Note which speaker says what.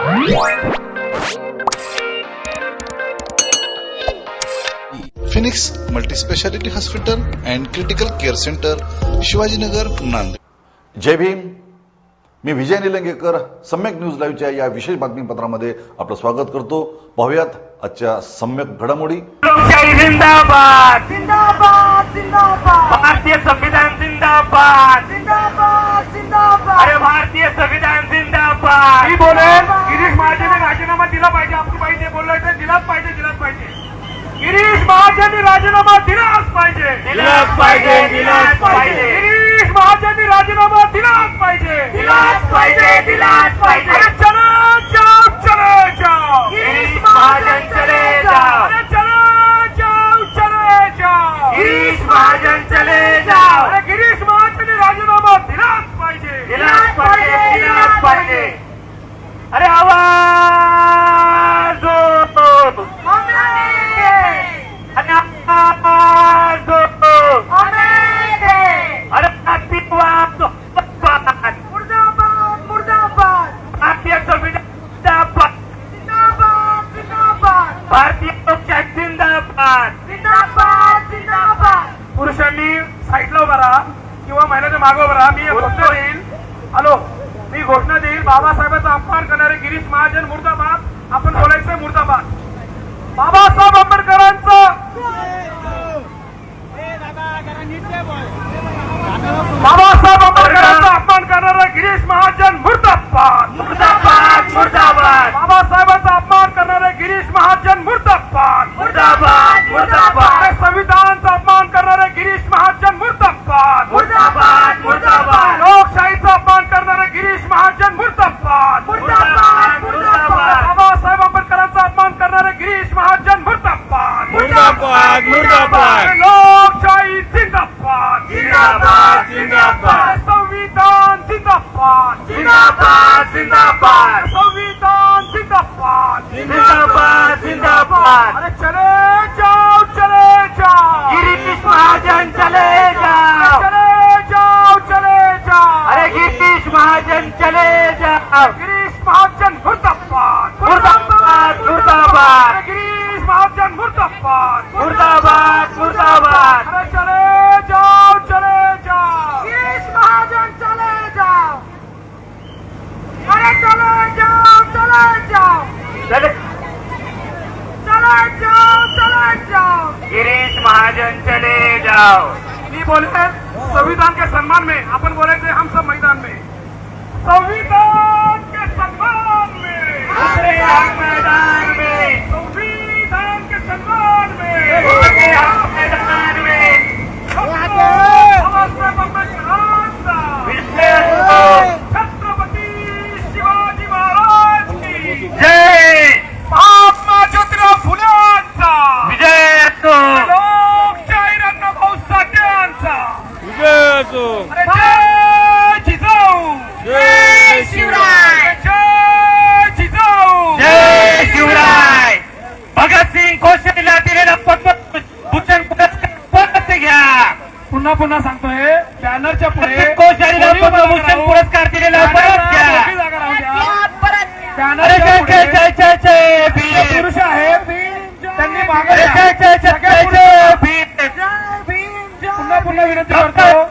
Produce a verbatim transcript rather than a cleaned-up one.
Speaker 1: Phoenix multispeciality hospital and critical care centre, Shivajinagar, Nanded.
Speaker 2: Jai Bhim. मी Vijay Nilangekar Samyak news लाईव्हच्या या विशेष बातमीपत्रामध्ये आपलं स्वागत करतो. पाहूयात आजच्या सम्यक घडामोडी.
Speaker 3: जिंदाबाद जिंदाबाद जिंदाबाद. भारतीय संविधान जिंदाबाद जिंदाबाद जिंदाबाद. अरे भारतीय संविधान जिंदाबाद. मी बोलेल गिरीश महाजनने राजीनामा दिला पाहिजे. आपण पाहिजे बोलायचं, दिलाच पाहिजे दिलाच पाहिजे. गिरीश महाजनने राजीनामा दिलाच पाहिजे दिलाच पाहिजे दिलाच पाहिजे. गिरीश महाजनने राजीनामा दिलाच पाहिजे दिलाच पाहिजे दिलाच पाहिजे. अरे चलो जाओ चलो जाओ. गिरीश महाजन चले जाओ. अरे चलो जाओ चले जाओ. गिरीश महाजन चले जाओ. अरे गिरीश महाजनने राजीनामा दिलाच पाहिजे दिलाच पाहिजे दिलाच पाहिजे. अरे आवाज दो. अरे मुर्दाबाद मुर्दाबाद. भारतीय संविधान जिंदाबाद जिंदाबाद जिंदाबाद. भारतीय लोकशाही जिंदाबाद जिंदाबाद जिंदाबाद. पुरुषांनी साईडला उभा राहा किंवा महिलांच्या मागे उभा राहा. मी घोषणा देईल. हॅलो, मी घोषणा देईल. बाबासाहेबांचा अपमान करणारे गिरीश महाजन मुर्दाबाद. आपण बोलायचं मुर्दाबाद. बाबासाहेब आंबेडकरांचं बाबासाहेब आंबेडकरांचा अपमान करणारा गिरीश महाजन मुर्दाबाद मुर्दाबाद मुर्दाबाद. बाबासाहेबांचा अपमान करणारे गिरीश महाजन मुर्दाबाद मुर्दाबाद मुर्दाबाद. संविधानाचा अपमान करणारे गिरीश महाजन मुर्दाबाद मुर्दाबाद मुर्दाबाद. लोकशाहीचा अपमान करणारे गिरीश महाजन मुर्दाबाद मुर्दाबाद मुर्दाबाद. बाबासाहेब आंबेडकरांचा अपमान करणारे गिरीश महाजन मुर्दाबाद मुर्दाबाद मुर्दाबाद. लोकशाही जिंदाबाद जिंदाबाद जिंदाबाद. संविधान जिंदाबाद जिंदाबाद जिंदाबाद. संविधान जिंदाबाद जिंदाबाद जिंदाबाद. अरे चले जाओ चले जाओ. गिरीश महाजन चले जाओ चले जाओ चले जाओ. अरे गिरीश महाजन चले जाओ. गिरीश महाजन मुर्दाबाद मुर्दाबाद मुर्दाबाद. गिरीश महाजन मुर्दाबाद मुर्दाबाद मुर्दाबाद. अरे चले जाओ चले जाओ. गिरीश महाजन चले जाओ. अरे चले जाओ चले जाओ. चले चले जाओ चले जाओ. गिरीश महाजन चले जाओ. मी बोलते संविधान के सम्मान में. अपन बोले थे हम सब मैदान में. संविधान के सम्मान में उतरे हम मैदान में. संविधान के सम्मान में उतरे हम मैदान में. छत्रपति शिवाजी महाराज की जय. महात्मा ज्योतिराव फुलेंचा विजय असो. लोकशाही अण्णाभाऊ साठेंचा विजय असो. अरे जय जिजाऊ जय शिवराय जय जिजाऊ जय शिवराय. भगतसिंग कोश्यारीला दिलेला पद्मभूषण पुरस्कार परत घ्या. पुन्हा पुन्हा सांगतोय, बॅनरच्या पुढे कोश्यारीला पद्मभूषण पुरस्कार दिलेला परत घ्या. बॅनर जय जय जय जय भीम. पुरुष आहेत त्यांनी मागे जय जय जय जय भीम. पुन्हा पुन्हा विनंती करतो.